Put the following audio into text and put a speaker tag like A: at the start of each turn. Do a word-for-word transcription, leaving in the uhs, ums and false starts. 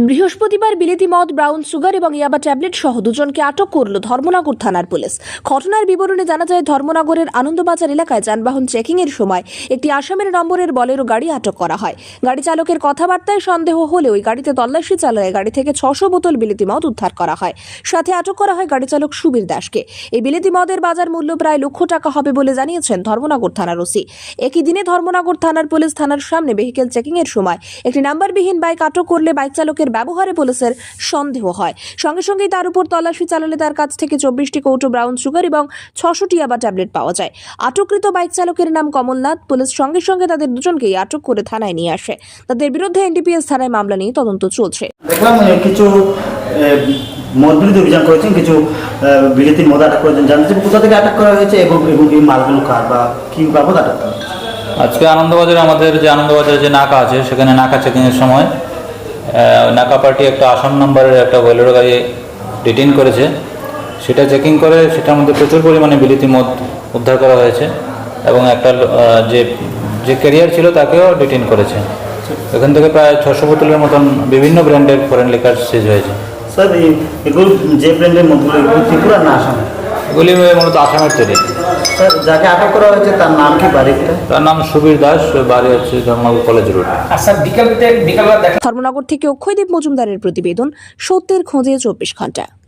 A: বৃহস্পতিবার বিলেতি মদ, brown sugar এবং ইয়াবা ট্যাবলেট সহ দুজনকে আটক করল ধর্মনগর থানার পুলিশ। ঘটনার বিবরণে জানা যায়, ধর্মনগরের আনন্দবাজার এলাকায় যানবাহন চেকিং এর সময় একটি আসামের নম্বরের বলেরো গাড়ি আটক করা হয়। গাড়ি চালকের কথাবার্তায় সন্দেহ হলে ওই গাড়িতে তল্লাশি চালায় গাড়ি থেকে ছশো বোতল বিলেতি মদ উদ্ধার করা হয়। সাথে আটক করা হয় গাড়ি চালক সুবীর দাসকে। এই বিলেতি মদের বাজার মূল্য প্রায় লক্ষ টাকা হবে বলে জানিয়েছেন ধর্মনগর থানার ওসি। একই দিনে ধর্মনগর থানার পুলিশ থানার সামনে ভেহিকেল চেকিং এর সময় একটি নাম্বারবিহীন বাইক আটক করলে বাইক চালকের ব্যবহারে পুলিশের সন্দেহ হয়। সঙ্গে সঙ্গেই তার উপর তল্লাশি চালালে তার কাছ থেকে চব্বিশটি কৌটো ব্রাউন সুগার এবং ছশোটি ইয়াবা ট্যাবলেট পাওয়া যায়। আটককৃত বাইক চালকের নাম কমলনাথ। পুলিশ সঙ্গে সঙ্গে তাদের দুজনকেই আটক করে থানায় নিয়ে আসে। তাদের বিরুদ্ধে এনডিপিএস থানায় মামলা নিয়ে তদন্ত চলছে।
B: দেখলাম কিছু মদ বিরোধী অভিযান করেছেন, কিছু বিলেতি মদ আটক করেছেন। জানতে চাই কোথা থেকে আটক করা হয়েছে এবং এবং এই মালগুলো কার বা কি বাবদ আটক করা হয়েছে?
C: আজকে আনন্দবাজারে আমাদের যে আনন্দবাজারে যে নাকা আছে, সেখানে নাকা চেকিংয়ের সময় নাকা পার্টি একটা আসাম নম্বরের একটা বোলেরো গাড়ি ডিটেইন করেছে। সেটা চেকিং করে সেটার মধ্যে প্রচুর পরিমাণে বিলেতি মদ উদ্ধার করা হয়েছে এবং একটা যে যে ক্যারিয়ার ছিল তাকেও ডিটেইন করেছে। এখান থেকে প্রায় ছশো বোতলের মতন বিভিন্ন ব্র্যান্ডের ফরেন লিকার সিজ হয়েছে।
B: স্যার এগুলো যে ব্র্যান্ডের মদগুলো এগুলো ত্রিপুরা না আসাম?
C: এগুলি মূলত আসামের তৈরি।
B: স্যার যাকে আটক করা হয়েছে তার নাম কি, বাড়ি?
C: তার নাম সুবীর দাস, বাড়ি হচ্ছে ধর্মনগর কলেজ রোড।
A: ধর্মনগর থেকে অক্ষয়দীপ মজুমদারের প্রতিবেদন, সত্যের খোঁজে চব্বিশ ঘন্টা।